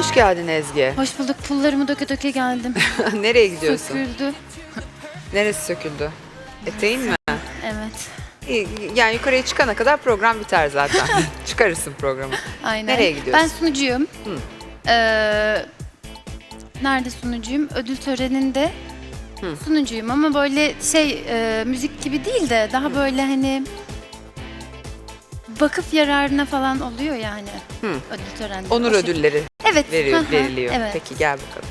Hoş geldin Ezgi. Hoş bulduk. Pullarımı döke döke geldim. Nereye gidiyorsun? Söküldü. Neresi söküldü? Eteğin mi? Evet. Yani yukarıya çıkana kadar program biter zaten. Çıkarırsın programı. Aynen. Nereye gidiyorsun? Ben sunucuyum. Hı. Nerede sunucuyum? Ödül töreninde Hı. sunucuyum ama böyle müzik gibi değil de daha böyle hani vakıf yararına falan oluyor yani. Hı. Ödül töreninde. Onur ödülleri Evet. veriliyor. Evet. Peki gel bakalım.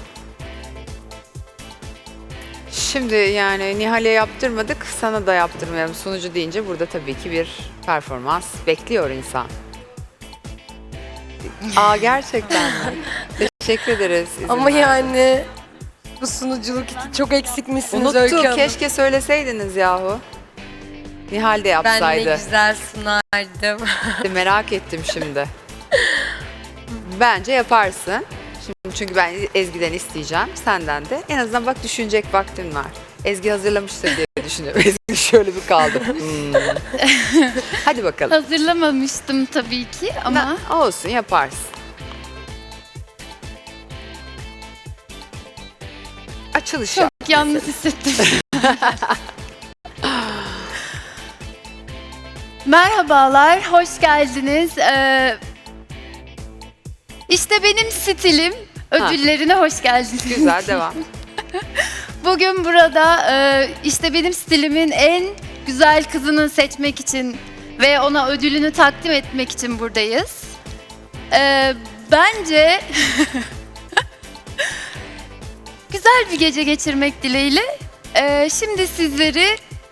Şimdi yani Nihal'e yaptırmadık, sana da yaptırmayalım. Sunucu deyince burada tabii ki bir performans bekliyor insan. Gerçekten mi? Teşekkür ederiz. izin Ama verdiğiniz yani bu sunuculuk için çok eksikmişsiniz Öykü Unuttum. Hanım. Keşke söyleseydiniz yahu. Nihal de Ben yapsaydı. ne güzel sunardım. Merak ettim şimdi. Bence yaparsın. Şimdi çünkü ben Ezgi'den isteyeceğim. Senden de. En azından bak düşünecek vaktin var. Ezgi hazırlamıştır diye düşünüyorum. Ezgi şöyle bir kaldı. Hadi bakalım. Hazırlamamıştım tabii ki ama Olsun yaparsın. Açılış çok yap. yalnız hissettim. Merhabalar, hoş geldiniz. İşte benim stilim. Ödüllerine hoş geldiniz. Güzel devam. Bugün burada işte benim stilimin en güzel kızını seçmek için ve ona ödülünü takdim etmek için buradayız. Bence güzel bir gece geçirmek dileğiyle. Şimdi sizleri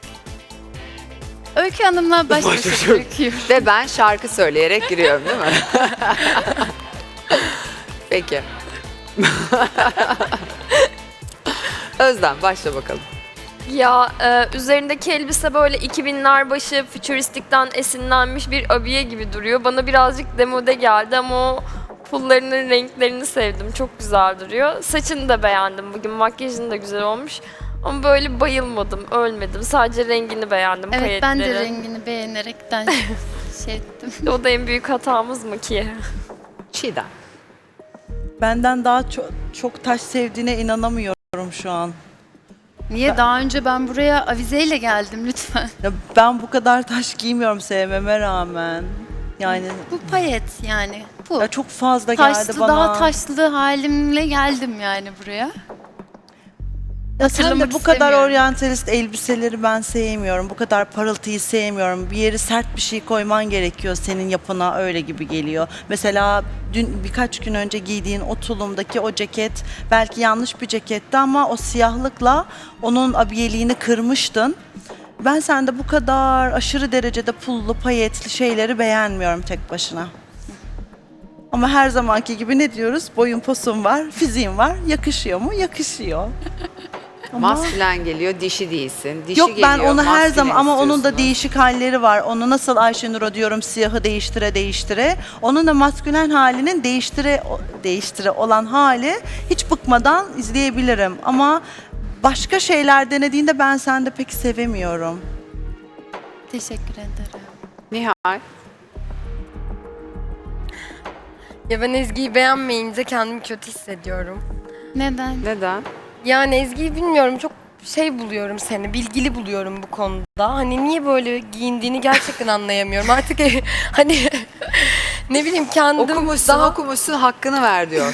Öykü Hanım'la baş başa bırakıyorum. Ve ben şarkı söyleyerek giriyorum değil mi? Peki. Özlem başla bakalım. Ya üzerindeki elbise böyle 2000'ler başı fütüristikten esinlenmiş bir abiye gibi duruyor. Bana birazcık demode geldi ama o pullarının renklerini sevdim. Çok güzel duruyor. Saçını da beğendim bugün. Makyajın da güzel olmuş. Ama böyle bayılmadım, ölmedim. Sadece rengini beğendim, Evet, ben de payetleri. rengini beğenerekten şey ettim. O da en büyük hatamız mı ki? Çiğdem. Benden daha çok taş sevdiğine inanamıyorum şu an. Niye? Daha önce ben buraya avizeyle geldim lütfen. Ya ben bu kadar taş giymiyorum sevmeme rağmen. Yani Bu payet yani. Bu. ya çok fazla geldi Taşlı, bana. daha taşlı halimle geldim yani buraya. Ya sen de hatırlamak bu kadar istemiyorum. oryantalist elbiseleri ben sevmiyorum. Bu kadar parıltıyı sevmiyorum. Bir yeri sert bir şey koyman gerekiyor senin yapına öyle gibi geliyor. Mesela dün birkaç gün önce giydiğin o tulumdaki o ceket belki yanlış bir ceketti ama o siyahlıkla onun abiyeliğini kırmıştın. Ben sende bu kadar aşırı derecede pullu, payetli şeyleri beğenmiyorum tek başına. Ama her zamanki gibi ne diyoruz? Boyun posun var, fiziğin var. Yakışıyor mu? Yakışıyor. Ama- Maskülen geliyor, dişi değilsin. Dişi Yok ben geliyor, onu her maskülen zaman ama onun da istiyorsunuz. değişik halleri var. Onu nasıl Ayşenur'a diyorum siyahı değiştire değiştire. Onun da maskülen halinin değiştire olan hali hiç bıkmadan izleyebilirim. Ama başka şeyler denediğinde ben sende pek sevemiyorum. Teşekkür ederim. Nihal. Ya ben Ezgi'yi beğenmeyince kendimi kötü hissediyorum. Neden? Neden? Yani Ezgi'yi bilmiyorum, çok şey buluyorum seni, bilgili buluyorum bu konuda. Hani niye böyle giyindiğini gerçekten anlayamıyorum. Artık hani ne bileyim kendim Okumuşsun, okumuşsun, hakkını ver diyor.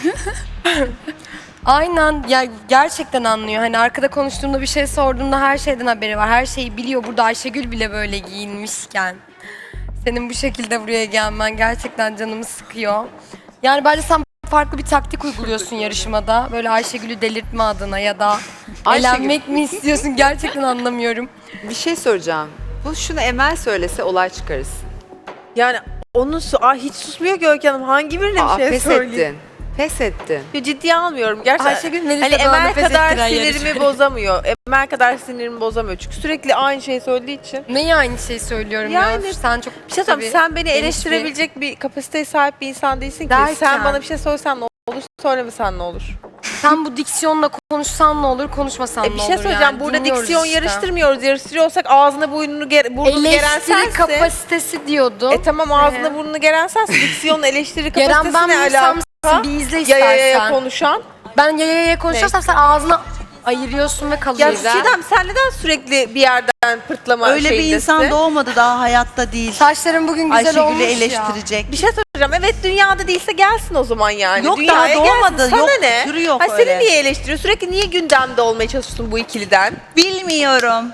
Aynen ya, gerçekten anlıyor. Hani arkada konuştuğumda bir şey sorduğumda her şeyden haberi var. Her şeyi biliyor. Burada Ayşegül bile böyle giyinmişken. Senin bu şekilde buraya gelmen gerçekten canımı sıkıyor. Yani bence sen farklı bir taktik uyguluyorsun yarışmada. Böyle Ayşegül'ü delirtme adına ya da eğlenmek mi istiyorsun, gerçekten anlamıyorum. Bir şey soracağım. Şunu Emel söylese olay çıkarız. Yani onun hiç susmuyor ki Öykü Hanım. Hangi birine bir şey Pes söyleyeyim? ettin. Pes ettin. Ya ciddiye almıyorum. Gerçekten Ayşegül Melisa hani bana Emel pes kadar ettiren sinirimi yarışma. bozamıyor. Emel kadar sinirimi bozamıyor. Çünkü sürekli aynı şeyi söylediği için. Neyi aynı şeyi söylüyorum Yani ya? Sen çok Bir şey söyleyeyim, sen beni geniş eleştirebilecek bir kapasiteye sahip bir insan değilsin ki. Derken? Sen bana bir şey söylesen ne olur, söylemesen ne olur? Sen bu diksiyonla konuşsan ne olur, konuşmasan ne olur Bir şey söyleyeceğim. yani. Burada Dinliyoruz diksiyon işte. yarıştırmıyoruz. Yarıştırıyorsak ağzını burnunu geren Eleştiri sensin. kapasitesi diyordun. Tamam ağzını burnunu geren sensin. Diksiyonun eleştiri Geren ben kapasitesine miysem Bir izle Ya istersen. konuşan. Ben ya konuşursam sen ağzını ayırıyorsun ve Ya kalıyorsun. Çiğdem sen neden sürekli bir yerden pırtlama Öyle bir şeyindesin? insan doğmadı daha hayatta değil. Saçların bugün güzel Ayşegül'ü olmuş ya. eleştirecek. Bir şey soracağım. Evet dünyada değilse gelsin o zaman yani. Yok, Dünyaya daha doğmadı. gelsin. Sana Yok, ne? türü yok Ay, öyle. seni niye eleştiriyor? Sürekli niye gündemde olmaya çalışıyorsun bu ikiliden? Bilmiyorum.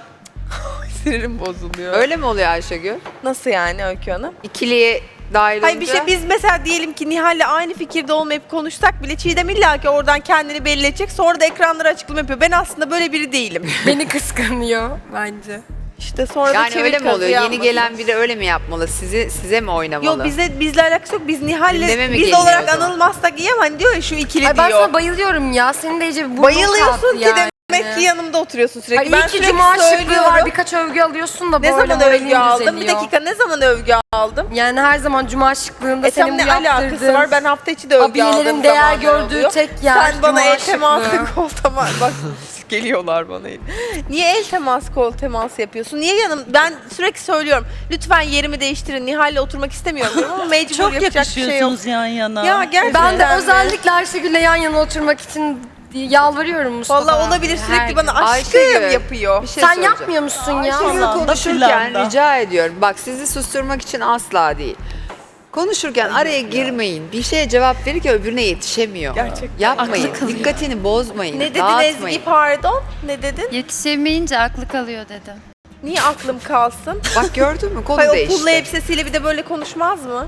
Sinirim bozuluyor. Öyle mi oluyor Ayşegül? Nasıl yani Öykü Hanım? İkiliye dahil olunca. Hayır bir şey biz mesela diyelim ki Nihal'le aynı fikirde olmayıp konuşsak bile Çiğdem illa ki oradan kendini belli edecek. Sonra da ekranlara açıklama yapıyor. Ben aslında böyle biri değilim. Beni kıskanıyor bence. İşte sonra da Yani çevir öyle mi oluyor? kazığı Yeni yapmasın. gelen biri öyle mi yapmalı? Size mi oynamalı? Yok bizle alakası yok. Biz Nihal'le Gündeme mi biz geliyor olarak o zaman? anılmazsak iyi ama hani diyor ya şu ikili Ay ben diyor. sana bayılıyorum ya. Senin de iyice bir burnun Bayılıyorsun kalktı ki yani. demek ki yanımda oturuyorsun sürekli. Ay ben iyi ki sürekli cuma şıklığı söylüyorum. var. Birkaç övgü alıyorsun da Ne böyle zaman moralin övgü aldım? Bir düzeliyor. dakika ne zaman övgü aldım? Yani her zaman cuma şıklığında Tam senin bu ne alakası yaptırdığın var? Ben hafta içi de övgü aldığım abiyelerin değer zamanlar gördüğü oluyor. tek yer Sen bana cuma el teması, şıklığı. kol teması, bak geliyorlar bana. Niye el teması, kol teması yapıyorsun? Niye ben sürekli söylüyorum. Lütfen yerimi değiştirin. Nihal'le oturmak istemiyorum diyorum ama mecbur Çok yapacak bir şey yok. yakışıyorsunuz yan yana. Ya gerçekten Ben de mi? özellikle Ayşegül'le yan yana oturmak için yalvarıyorum Mustafa. Vallahi olabilir sürekli Her bana gün. aşkım Ayşegül, yapıyor. Bir şey Sen soracağım. yapmıyor musun ya? Ayşegül Planda, konuşurken planda. rica ediyorum. Bak sizi susturmak için asla değil. Konuşurken araya girmeyin. Bir şeye cevap verirken öbürüne yetişemiyor. Gerçekten. Yapmayın. Aklı kalıyor. Dikkatini bozmayın. Ne dedin dağıtmayın. Ezgi pardon? Ne dedin? Yetişemeyince aklı kalıyor dedim. Niye aklım kalsın? Bak gördün mü? Konu Hayır o değişti. pullu elbisesiyle bir de böyle konuşmaz mı?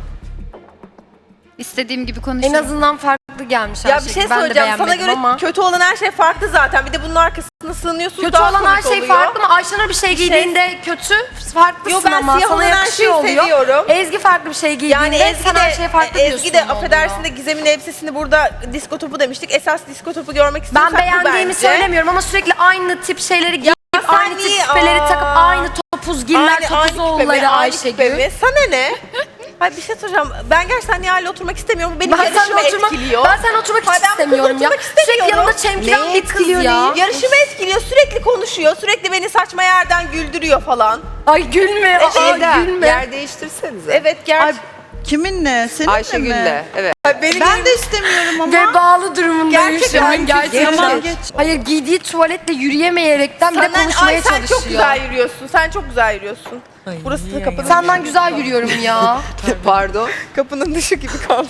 İstediğim gibi En konuşurum. azından farklı gelmiş Ya Ayşegül. bir şey Ben de söyleyeceğim. Sana beğenmedim göre ama. kötü olan her şey farklı zaten. Bir de bunun arkasına sığınıyorsunuz. Kötü daha olan her komik şey oluyor. farklı mı? Ayşenur bir şey giydiğinde kötü, farklısın Yo, ben ama siyah sana olan her yakışıyor şeyi oluyor. seviyorum. Ezgi farklı bir şey giydiğinde Yani Ezgi sen her şeye farklı de, diyorsun. Ezgi de oluyor. affedersin de Gizem'in elbisesini burada disko topu demiştik. Esas disko topu görmek istiyorsak Ben beğendiğimi bu bence. söylemiyorum ama sürekli aynı tip şeyleri giyip sen aynı tip niye- küpeleri Aa. takıp aynı topuzgiller, küpe mi? topuzoğulları Aynı küpe Ayşegül. mi? Sana ne? Hayır bir şey soracağım. Ben gerçekten Nihal'le oturmak istemiyorum. Bu benim Ben yarışımı seninle oturmak, etkiliyor. ben seninle oturmak Hayır, hiç ben bu kızla istemiyorum ya. oturmak Sürekli istemiyorum. yanımda çemkiren Neyi bir kız etkiliyor, ya. neyi? Yarışımı etkiliyor. Sürekli konuşuyor. Sürekli beni saçma yerden güldürüyor falan. Ay gülme, aa, Şeyden, gülme. yer değiştirsenize. Evet Ay, gerçekten. kiminle? Seninle Ayşegül'le. mi? Evet. Ben de istemiyorum ama. Ve bağlı durumundayım Gerçekten şu an gerçekten. Tamam, geç. Hayır giydiği tuvaletle yürüyemeyerekten bir de konuşmaya Ay sen çalışıyor. çok güzel yürüyorsun. Sen çok güzel yürüyorsun. Burası da kapının Senden güzel yürüyorum ya. Pardon. kapının dışı gibi kalmış.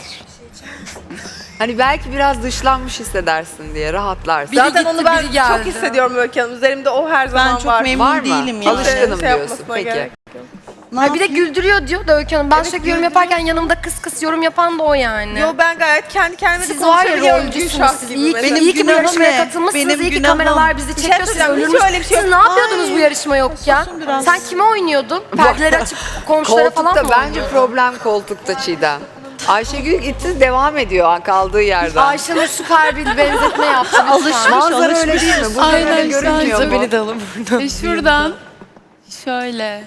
Hani belki biraz dışlanmış hissedersin diye rahatlarsın. Biri Zaten gitti, onu ben biri geldi. çok hissediyorum Öykü Hanım. Üzerimde o her zaman Ben çok var. memnun Var mı? değilim ya. Alışkınım Şey diyorsun. yapmasına Peki. gerek. Ne Ay bir de yapayım? güldürüyor diyor da Öykü Hanım. Ben Evet, sürekli yorum güldürüyor. yaparken yanımda kıs kıs yorum yapan da o yani. Yo ben gayet kendi kendime de Siz var ya konuşabiliyorum. rolcüsünüz Gülşah siz. gibi İyi ki, mesela. Benim iyi ki bu günahım yarışmaya ne? katılmışsınız. Benim İyi ki günahım. kameralar bizi Bir şey çekiyor. Siz söyleyeceğim, hiç ölürmüş. öyle bir şey Siz yok. ne yapıyordunuz Ay. bu yarışma yokken? Susun biraz. Sen kime oynuyordun? Perdeleri açıp komşulara falan mı Koltukta bence oynuyordun? problem koltukta Çiğdem. Ayşegül gitti devam ediyor kaldığı yerden. Ayşenur süper bir benzetme yaptı. Alışmış. Manzara öyle değil mi? Bu böyle görünmüyor mu? alın buradan. Şuradan şöyle.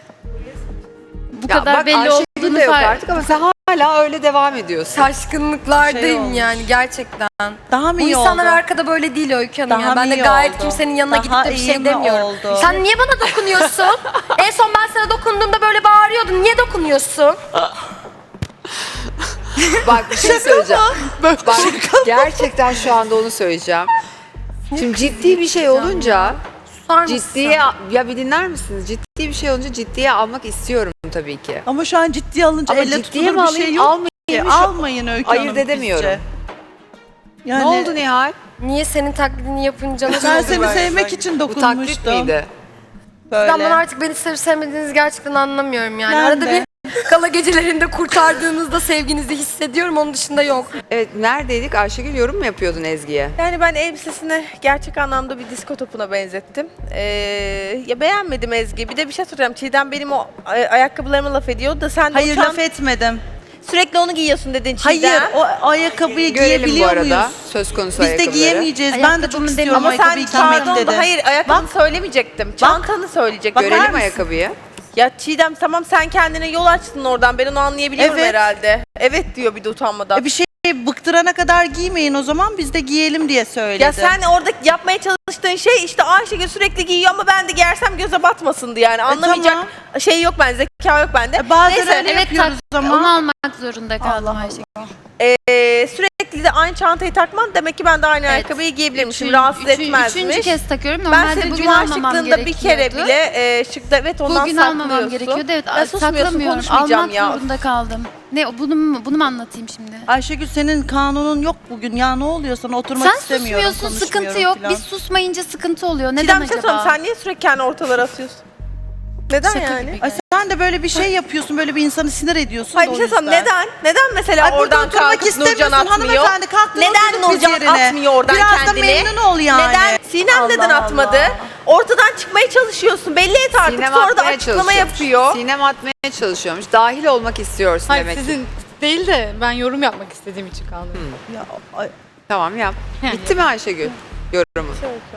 Bu Ya kadar bak belli Ayşegül olduğunu de yok fark. artık ama sen hala öyle devam ediyorsun. Şaşkınlıklardayım Şey olmuş. yani gerçekten. Daha mı Bu iyi insanlar oldu? arkada böyle değil Öykü Hanım Daha ya. Ben mı de iyi gayet oldu? kimsenin yanına Daha gidip de bir iyi şey mi demiyorum. oldu? Sen niye bana dokunuyorsun? En son ben sana dokunduğumda böyle bağırıyordun. Niye dokunuyorsun? Bak bir şey söyleyeceğim. Bak gerçekten şu anda onu söyleyeceğim. Şimdi ciddi bir şey olunca Susar mısın? ciddiye ya bir dinler misiniz? Ciddi bir şey olunca ciddiye almak istiyorum tabii ki. Ama şu an ciddiye alınca Ama elle ciddiye tutulur mi bir şey alayım, yok almayayım ki. mı şu- Almayın Öykü Ayırt Hanım edemiyorum. bizce. Yani, Ne oldu Nihal? Niye senin taklidini yapınca nasıl Ben oldu seni böyle? sevmek için Bu taklit dokunmuştum. miydi? Böyle. Ben bana artık beni sevip sevmediğinizi gerçekten anlamıyorum yani. Ben Arada de. bir kala gecelerinde kurtardığınızda sevginizi hissediyorum. Onun dışında yok. Evet neredeydik? Ayşegül yorum mu yapıyordun Ezgi'ye? Yani ben elbisesini gerçek anlamda bir disko topuna benzettim. Ya beğenmedim Ezgi. Bir de bir şey soracağım. Çiğdem benim o ayakkabılarıma laf ediyor da sen de Hayır o laf etmedim. sürekli onu giyiyorsun dedin Çiğdem. Hayır o ayakkabıyı Görelim bu giyebiliyor arada muyuz? söz konusu Biz de ayakkabıları. giyemeyeceğiz. Ben de Ayakkabımı çok istiyorum Ama sen ayakkabıyı giymek pardon dedi. da hayır ayakkabını söylemeyecektim. Çantanı söyleyecektim. Bakar Görelim mısın? ayakkabıyı. Ya Çiğdem tamam sen kendine yol açtın oradan. Ben onu anlayabiliyorum Evet. herhalde. Evet diyor bir de utanmadan. Bir şey bıktırana kadar giymeyin o zaman biz de giyelim diye söyledim. Ya sen orada yapmaya çalıştığın şey işte Ayşegül sürekli giyiyor ama ben de giyersem göze batmasındı yani. Anlamayacak tamam. şey yok bende, zeka yok bende. Bazıları Neyse, öyle Evet, yapıyoruz ama. onu almak zorunda kaldım Allah Ayşegül. sürekli de aynı çantayı takman demek ki ben de aynı Evet. ayakkabıyı giyebilirmişim. Rahatsız etmezmiş. Üçüncü kez takıyorum. Ben Normalde senin bugün cuma almamam şıklığında bir kere gerekiyordu. bile şıkta evet ondan Bugün saklıyorsun. almamam gerekiyordu. Evet, Ben susmuyorsun, saklamıyorum. konuşmayacağım Almak ya. zorunda kaldım. Ne, bunu mu anlatayım şimdi? Ayşegül senin kanunun yok bugün ya ne oluyor sana oturmak Sen istemiyorum. susmuyorsun, sıkıntı konuşmuyorum yok. falan. Biz susmayınca sıkıntı oluyor. Neden Çiğdem bir şey acaba? sorayım, sen niye sürekli kendi ortalara atıyorsun? Neden Şaka yani? gibi. Ay sen de böyle bir şey yapıyorsun böyle bir insanı sinir ediyorsun Hayır da bir o şey sorayım, yüzden. neden? Neden mesela Ay burada oradan oturmak kalkıp Nurcan istemiyorsun atmıyor? hanımefendi kalktın Neden oturduk biz Nurcan yerine. atmıyor oradan Biraz kendini? da memnun ol yani. Neden? Sinem neden Allah atmadı? Allah. Ortadan çıkmaya çalışıyorsun. Belli et artık. Sinem Sonra da atmaya açıklama çalışıyormuş. yapıyor. Sinem atmaya çalışıyormuş. Dahil olmak istiyorsun Hayır demek ki. sizin değil de ben yorum yapmak istediğim için kaldım. Ya, ay, Tamam yap. Yani. Bitti mi Ayşegül? Yorumu.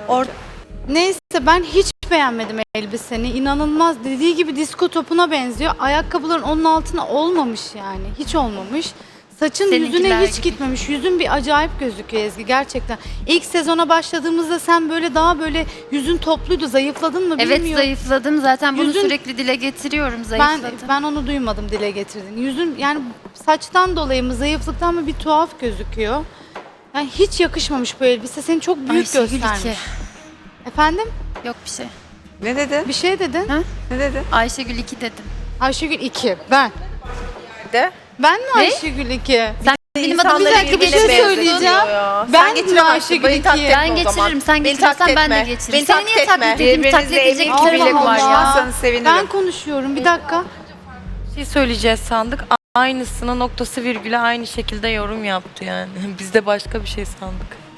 Neyse ben hiç beğenmedim elbiseni. İnanılmaz dediği gibi disko topuna benziyor. Ayakkabıların onun altına olmamış yani. Hiç olmamış. Saçın Seninkiler yüzüne hiç gibi. gitmemiş. Yüzün bir acayip gözüküyor Ezgi gerçekten. İlk sezona başladığımızda sen böyle daha böyle yüzün topluydu. Zayıfladın mı Evet, bilmiyorum. zayıfladım. Zaten bunu Yüzün- sürekli dile getiriyorum. Ben Zayıfladım. ben onu duymadım dile getirdin. Yüzün yani saçtan dolayı mı zayıflıktan mı bir tuhaf gözüküyor. Yani hiç yakışmamış bu elbise. Seni çok büyük Ayşegül göstermiş. 2. Efendim? Yok bir şey. Ne dedin? Bir şey dedin. Ha? Ne dedin? Ayşegül 2 dedim. Ayşegül 2. Ben. De. Ben mi Ne? Ayşegül 2? Sen benim adıma İnsanları sürekli bir birbirine şey benziyor söyleyeceğim. ya. Sen Ben geçiremezsin. Ayşegül Beni taklit ikiye. etme Ben o zaman. geçiririm. Sen Beni geçirirsen taklit ben de etme. geçiririm. Beni Seni taklit niye etme. taklit edeyim? Birbirinize Taklit edecek emin bir bile tarafım var ya. konuşmazsanız sevinirim. Ben konuşuyorum bir dakika. Bir şey söyleyeceğiz sandık. Aynısına noktası virgüle aynı şekilde yorum yaptı yani. Biz de başka bir şey sandık.